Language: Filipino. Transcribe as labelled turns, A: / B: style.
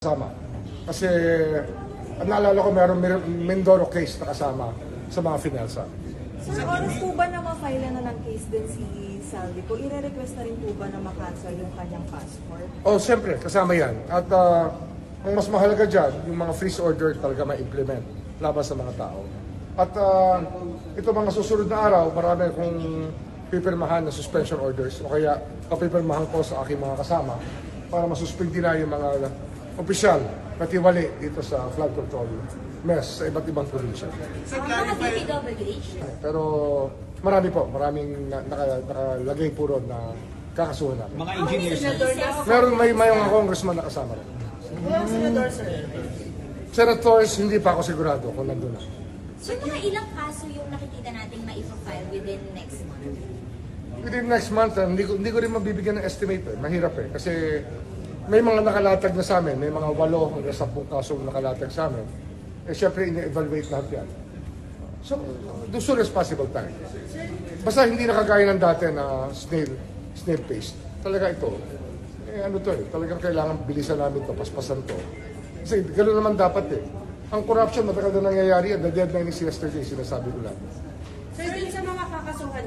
A: Kasama. Kasi naalala ko mayroong Mindoro case na kasama sa mga finalsa.
B: Sir, oras po ba na ma-file na ng case din si Salvi po? I-request na rin po ba na ma-cancel yung kanyang passport?
A: Oh, siyempre, kasama yan. At ang mas mahalaga dyan, yung mga freeze order talaga ma-implement laban sa mga tao. At ito mga susunod na araw, marami akong pipirmahan na suspension orders o kaya papipirmahan ko sa aking mga kasama para masuspindi na yung mga opisyal na tiwali dito sa flood control mess sa iba't ibang probinsya.
C: Mga PPWH?
A: Pero maraming nakalagay po ron na kakasuhan namin.
D: Mga engineers.
A: Meron may mga congressman na kasama rin.
B: Walang senador, sir.
A: Senators, hindi pa ako sigurado kung nandun na.
C: So mga ilang kaso yung nakikita nating ma-file within next month?
A: Within next month, hindi ko rin mabibigyan ng estimate. Mahirap eh. Kasi may mga nakalatag na sa amin, may mga 8 hanggang 10 kasong nakalatag sa amin. Eh syempre, ine-evaluate lahat yan. So, the soonest possible time. Basta hindi na kagaya ng dati na snail paste. Talaga ito. Eh ano to eh, talagang kailangan bilisan namin to, paspasan to. Kasi gano'n naman dapat eh. Ang corruption matagal na nangyayari, the deadline is yesterday, sinasabi ko lang.
B: Sir, din sa mga kakasuhan